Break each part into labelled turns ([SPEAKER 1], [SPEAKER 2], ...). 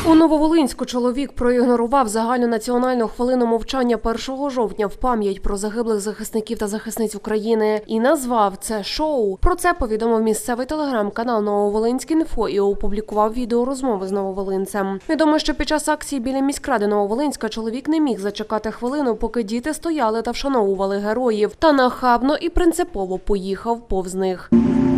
[SPEAKER 1] У Нововолинську чоловік проігнорував загальнонаціональну хвилину мовчання 1 жовтня в пам'ять про загиблих захисників та захисниць України і назвав це шоу. Про це повідомив місцевий телеграм-канал «Нововолинськ.Інфо» і опублікував відеорозмови з нововолинцем. Відомо, що під час акції біля міськради Нововолинська чоловік не міг зачекати хвилину, поки діти стояли та вшановували героїв, та нахабно і принципово поїхав повз них.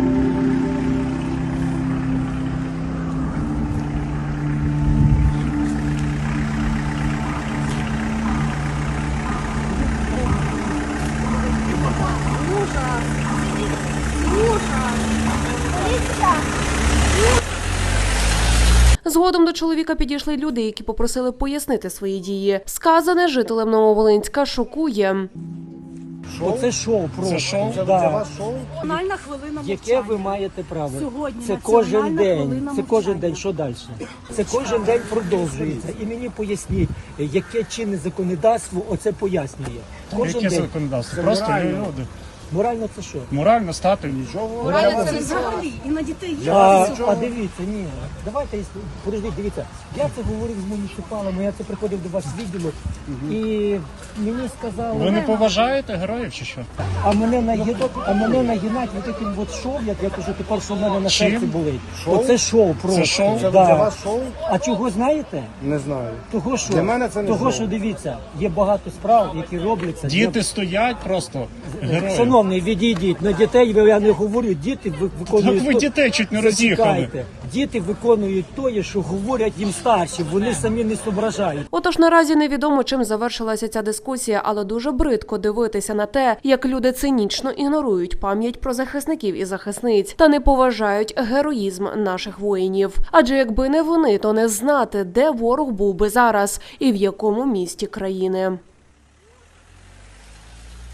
[SPEAKER 1] Згодом до чоловіка підійшли люди, які попросили пояснити свої дії. Сказане жителем Нововолинська шокує.
[SPEAKER 2] Оце шоу просто.
[SPEAKER 3] Це шоу?
[SPEAKER 2] Да.
[SPEAKER 3] Для вас шоу?
[SPEAKER 4] Національна хвилина мовчання.
[SPEAKER 2] Яке ви маєте право?
[SPEAKER 4] Сьогодні
[SPEAKER 2] це
[SPEAKER 4] національна
[SPEAKER 2] кожен день.
[SPEAKER 4] хвилина
[SPEAKER 2] Це кожен
[SPEAKER 4] мовчання.
[SPEAKER 2] день. Що далі? Це кожен день продовжується. І мені поясніть, яке чинне законодавство оце пояснює. Кожен
[SPEAKER 3] Яке
[SPEAKER 2] день.
[SPEAKER 3] законодавство? Просто люди.
[SPEAKER 2] Морально це що?
[SPEAKER 3] Морально стати.
[SPEAKER 4] Це взагалі і на дітей є.
[SPEAKER 2] А дивіться, ні. Давайте, подождіть, дивіться. Я це говорив з муніципалами, я це приходив до вас в відділок. І мені сказали...
[SPEAKER 3] Ви не поважаєте героїв чи що?
[SPEAKER 2] А мене нагинать вот таким вот шоу, як я кажу, тепер, що в мене на
[SPEAKER 3] Чим?
[SPEAKER 2] серці болить.
[SPEAKER 3] Шоу?
[SPEAKER 2] Оце шоу просто.
[SPEAKER 3] Це шоу?
[SPEAKER 2] Да.
[SPEAKER 3] Для
[SPEAKER 5] вас шоу?
[SPEAKER 2] А чого знаєте?
[SPEAKER 5] Не знаю.
[SPEAKER 2] Того, що,
[SPEAKER 5] Для мене це не
[SPEAKER 2] того,
[SPEAKER 5] шоу.
[SPEAKER 2] що дивіться, є багато справ, які робляться.
[SPEAKER 3] Діти стоять просто герої.
[SPEAKER 2] Шановний, відійдіть. На дітей я не говорю, діти виконують...
[SPEAKER 3] Так ви дітей чуть не роз'їхали.
[SPEAKER 2] Зачекайте. Діти виконують те, що говорять їм старші, вони самі не зображають.
[SPEAKER 1] Отож, наразі невідомо, чим завершилася ця дискусія, але дуже бридко дивитися на те, як люди цинічно ігнорують пам'ять про захисників і захисниць та не поважають героїзм наших воїнів. Адже якби не вони, то не знати, де ворог був би зараз і в якому місті країни.